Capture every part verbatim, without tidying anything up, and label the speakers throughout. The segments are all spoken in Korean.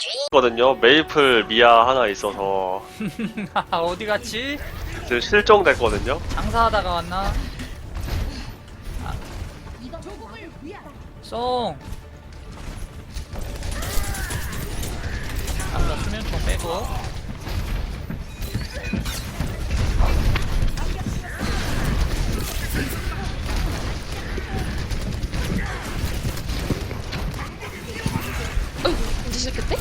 Speaker 1: 거든요. 메이플 미아 하나 있어서
Speaker 2: 어디 갔지?
Speaker 1: 지금 실종됐거든요.
Speaker 2: 장사하다가 왔나? 아. 송! 아까 수면총 빼고
Speaker 3: 어이구, 언제 시작했대?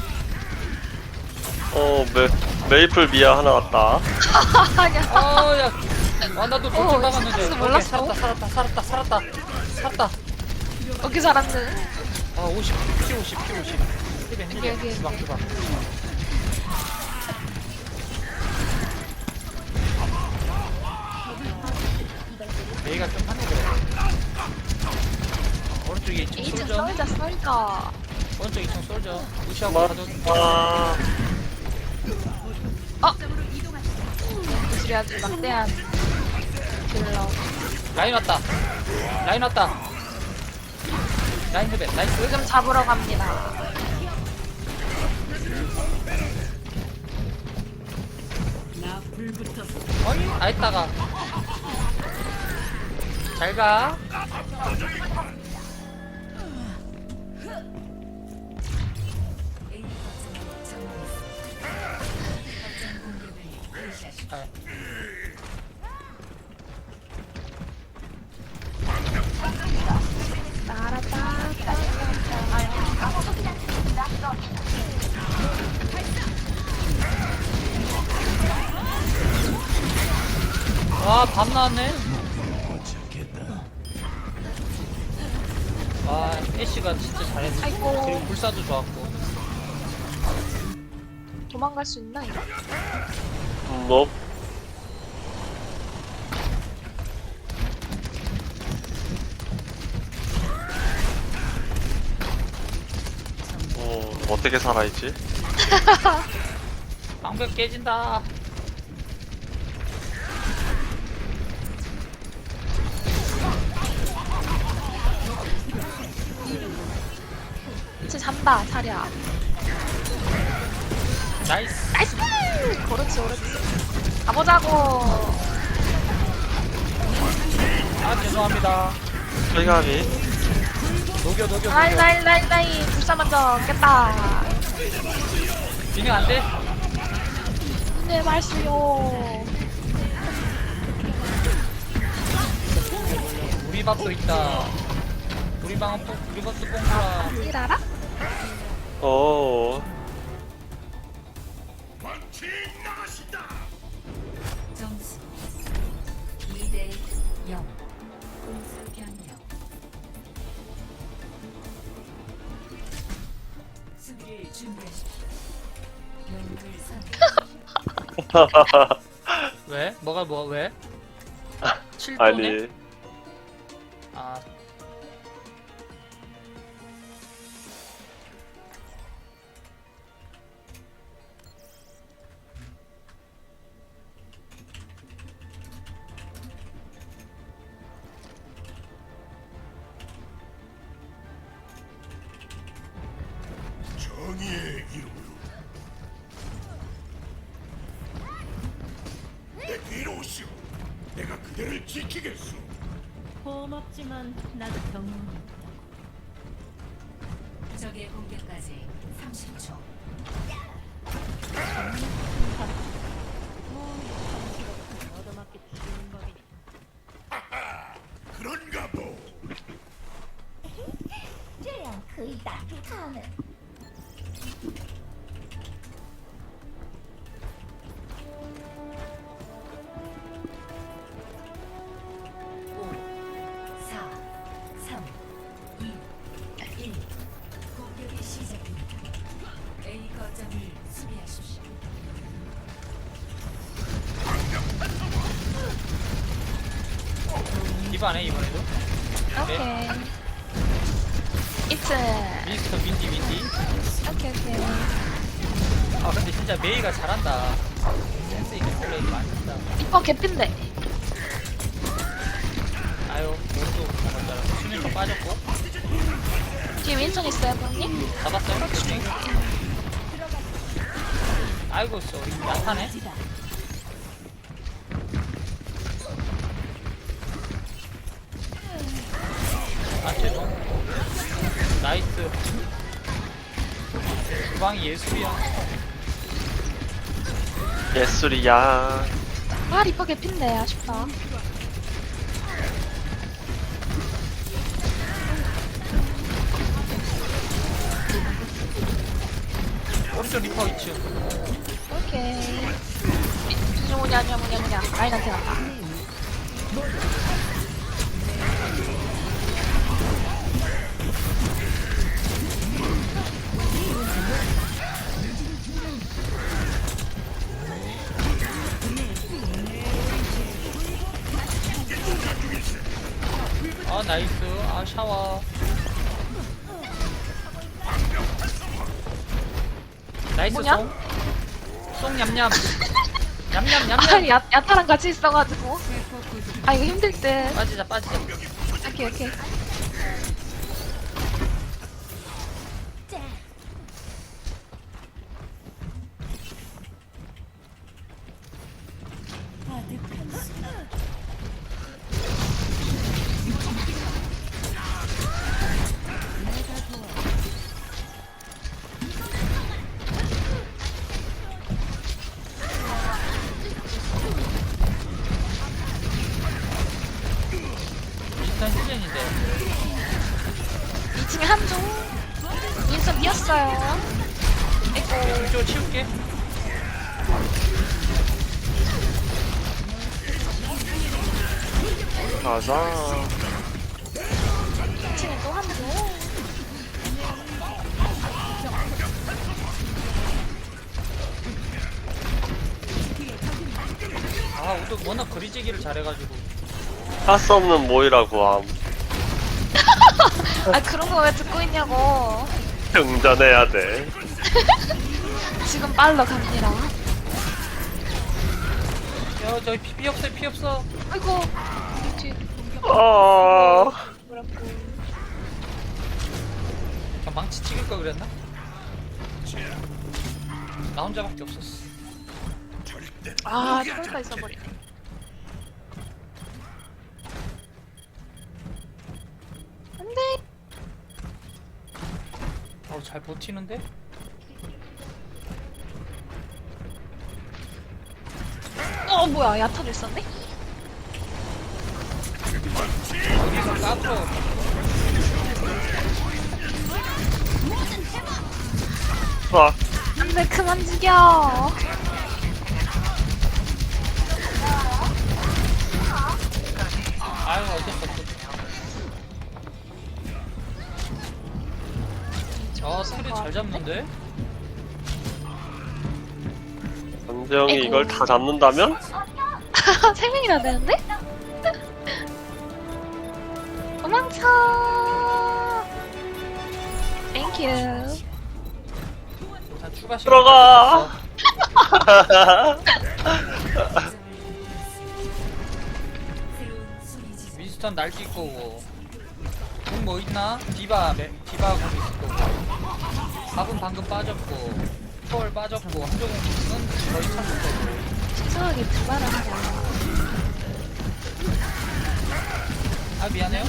Speaker 1: 어 메, 메이플 미아 하나 왔다.
Speaker 3: 아니야.
Speaker 2: 어, 야. 아, 나도
Speaker 3: 어,
Speaker 2: 돌진 박았는데.
Speaker 3: 시작해서
Speaker 2: 오케이,
Speaker 3: 몰랐어.
Speaker 2: 살았다, 살았다, 살았다, 살았다. 살았다.
Speaker 3: 어떻게 살았네.
Speaker 2: 아, 오십, 피 오십, 피 오십. 힐벤,
Speaker 3: 여기,
Speaker 2: 힐벤.
Speaker 3: 여기.
Speaker 2: 주방, 주방. 메이가 좀 하네, 그래. 오른쪽에 이층
Speaker 3: 이층
Speaker 2: 솔져.
Speaker 3: 썰자, 썰자.
Speaker 2: 오른쪽 이층 솔져. 무시하고
Speaker 1: 마,
Speaker 2: 가도.
Speaker 1: 아,
Speaker 3: 어? 기술이 아주 막대한 킬러.
Speaker 2: 라인 왔다. 라인 왔다. 라인 힐벤, 나이스.
Speaker 3: 지금 잡으러 갑니다.
Speaker 2: 어이, 다 했다가. 잘 가. 아,
Speaker 3: 따라따,
Speaker 2: 와, 밤 나왔네. 와, 애쉬가 진짜 잘했어.
Speaker 3: 아이고.
Speaker 2: 그리고 불사도 좋았고.
Speaker 3: 도망갈 수 있나, 이거?
Speaker 1: 뭐 어, 어떻게 살아있지?
Speaker 2: 방벽 깨진다.
Speaker 3: 진짜 잔다, 자리야.
Speaker 2: 나이스.
Speaker 3: 나이스! 그렇지, 그렇지. 가보자고.
Speaker 2: 아, 죄송합니다.
Speaker 1: 철감이
Speaker 2: 녹여, 녹여,
Speaker 3: 라인,
Speaker 2: 녹여.
Speaker 3: 라인, 라인, 라인. 불사 먼저 깼다.
Speaker 2: 진행 안 돼?
Speaker 3: 네, 말수요.
Speaker 2: 우리 밥도 있다. 우리 방은 또, 우리 밥도 뽕구라.
Speaker 3: 일 알아?
Speaker 1: 어
Speaker 4: 점수 이 대 영. 공수 변경. 수비를 준비하십시오. 영웅을 선.
Speaker 2: 왜? 뭐가 뭐, 왜? 칠 도네?
Speaker 1: 아니
Speaker 2: 아,
Speaker 5: 정의의 이름으로 내 뒤로 오시오. 내가 그대를 지키겠소.
Speaker 6: 고맙지만 나도 경험이
Speaker 4: 적의 공격까지 삼십 초.
Speaker 6: 얻어맞게 죽이는 법이니
Speaker 5: 그런가 보.
Speaker 7: 这样可以打住他们。
Speaker 4: 오, 사, 삼, 이, 일. 공격이 시작됩니다. A 거점을 수비하십시오.
Speaker 2: 이번에, 이번에도.
Speaker 3: 오케이. 이츠.
Speaker 2: 미스터 윈디, 윈디.
Speaker 3: 오케이, 오케이.
Speaker 2: 아, 근데 진짜 메이가 잘한다. 센스 있게 플레이 많이 한다.
Speaker 3: 이뻐 개핀데.
Speaker 2: 아유, 오른쪽 먼저 수면총 빠졌고.
Speaker 3: 뒤에 윈선 있어요, 형님?
Speaker 2: 잡았어요? 수면. 아이고 쏘리 야타네. 아 죄송. 나이스. 주방이 예술이야.
Speaker 1: 예술이야.
Speaker 3: 아 리퍼 개핀데 아쉽다.
Speaker 2: 오른쪽 리퍼 있죠.
Speaker 3: 오케이. 이- 뭐냐 뭐냐 뭐냐 뭐냐 라인한테 갔다.
Speaker 2: 아 나이스. 아 샤워. 나이스
Speaker 3: 뭐냐?
Speaker 2: 송. 송 냠냠. 냠냠
Speaker 3: 아
Speaker 2: 냠냠.
Speaker 3: 야, 야타랑 같이 있어가지고. 아 이거 힘들 듯.
Speaker 2: 빠지자 빠지자.
Speaker 3: 오케이 오케이.
Speaker 2: 비슷한 시즌인데.
Speaker 3: 이 층에 한조. 인선 비었어요. 아이고.
Speaker 2: 이쪽 치울게.
Speaker 1: 가자.
Speaker 3: 이 층에 또 한조.
Speaker 2: 아 우도 워낙 거리재기를 잘해가지고.
Speaker 1: 할 수 없는 모이라고 함.
Speaker 3: 아 그런 거 왜 듣고 있냐고.
Speaker 1: 등전해야 돼.
Speaker 3: 지금 빨러 갑니다.
Speaker 2: 야 저기 피, 피 없어 피 없어.
Speaker 3: 아이고. 뒤
Speaker 1: 어.
Speaker 3: 뭐라고.
Speaker 2: 아, 망치 찍을 걸 그랬나? 나 혼자밖에 없었어.
Speaker 3: 아 철가 있어버리네. 안돼.
Speaker 2: 어 잘 버티는데?
Speaker 3: 어 뭐야 야타도 있었네?
Speaker 2: 어디서 까불어.
Speaker 1: 아,
Speaker 3: 안돼 그만 죽여.
Speaker 2: 아유 어쩔 수 없어. 아 스크린 잘 잡는데?
Speaker 1: 안재영이
Speaker 3: 아이고.
Speaker 1: 이걸 다 잡는다면?
Speaker 3: 세 명이나 되는데? 도망쳐. 땡큐.
Speaker 2: 일단 추가 시간
Speaker 1: 들어가.
Speaker 2: 윈스턴 날뛸 거고. 공뭐 있나? 디바 매, 디바 공 있을 거고. 밥은 방금 빠졌고. 초월 빠졌고. 한조공은 거의 참을 거고.
Speaker 3: 이상하게 두발한다.
Speaker 2: 아 미안해요.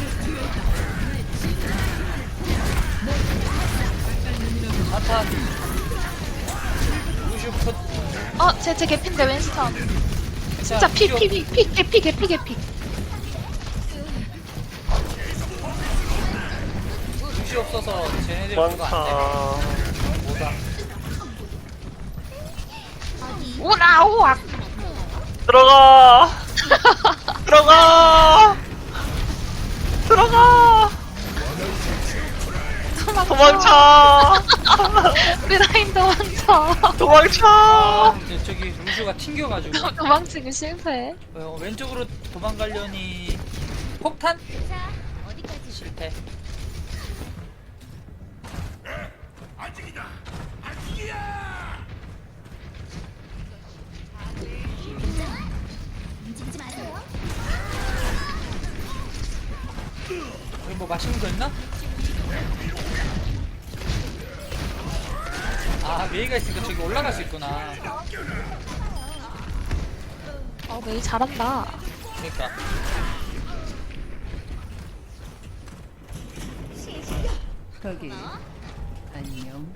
Speaker 2: 사탄. 루슈 컷.
Speaker 3: 어, 제, 제 개피인데 윈스턴. 진짜 피, 피, 피, 피, 개피, 개피, 개피.
Speaker 2: 루시 없어서 쟤네들 그거 안
Speaker 1: 많다.
Speaker 2: 돼. 뭐다.
Speaker 3: 오라, 오악.
Speaker 1: 들어가. 들어가. 들어가. 도망쳐.
Speaker 3: 우리 라인 도망쳐.
Speaker 1: 도망쳐.
Speaker 2: 아, 근데 저기 루슈가 튕겨가지고.
Speaker 3: 도망치기 실패.
Speaker 2: 어, 왼쪽으로 도망가려니 폭탄? 실패.
Speaker 5: 아직이다. 아직이야.
Speaker 7: 움직이지 마세요.
Speaker 2: 여기 뭐 맛있는 거 있나? 아 메이가 있으니까 저기 올라갈 수 있구나.
Speaker 3: 어 메이 잘한다.
Speaker 2: 그러니까
Speaker 6: 거기 안녕.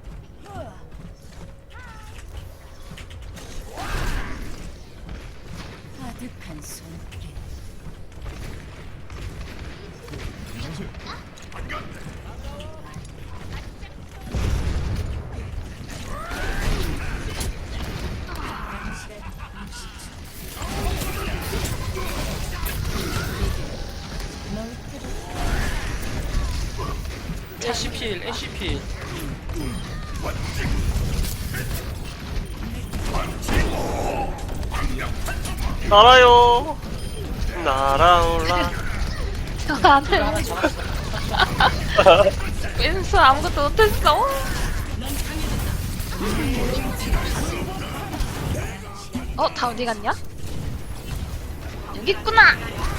Speaker 6: 아득한 손길.
Speaker 2: 애쉬필 애쉬필.
Speaker 1: 날아요. 날아올라.
Speaker 3: 저
Speaker 2: 이거
Speaker 3: 안해.
Speaker 2: 하나 잡았어.
Speaker 3: 윈스 아무것도 못했어. 어, 다 어디 갔냐? 여기 있구나.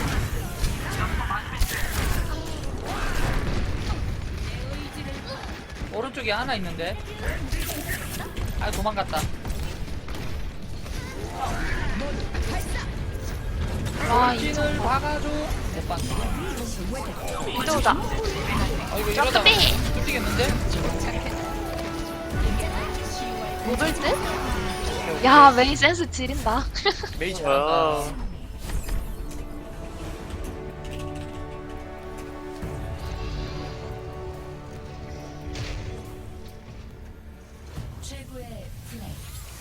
Speaker 2: 오른쪽에 하나 있는데. 아 도망갔다.
Speaker 3: 와, 이
Speaker 2: 찐을 박아줘. 못 봤어.
Speaker 3: 이도다.
Speaker 2: 어 이거 이러다가
Speaker 3: 점프비.
Speaker 2: 뚫리겠는데?
Speaker 3: 못올 듯? 야, 메이 센스 지린다.
Speaker 2: 메이 잘한다.
Speaker 1: 아,
Speaker 4: 최고의 플레이.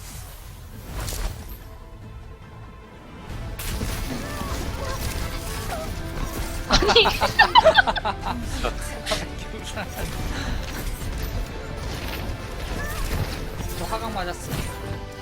Speaker 3: 아니,
Speaker 2: 저 화강 맞았어.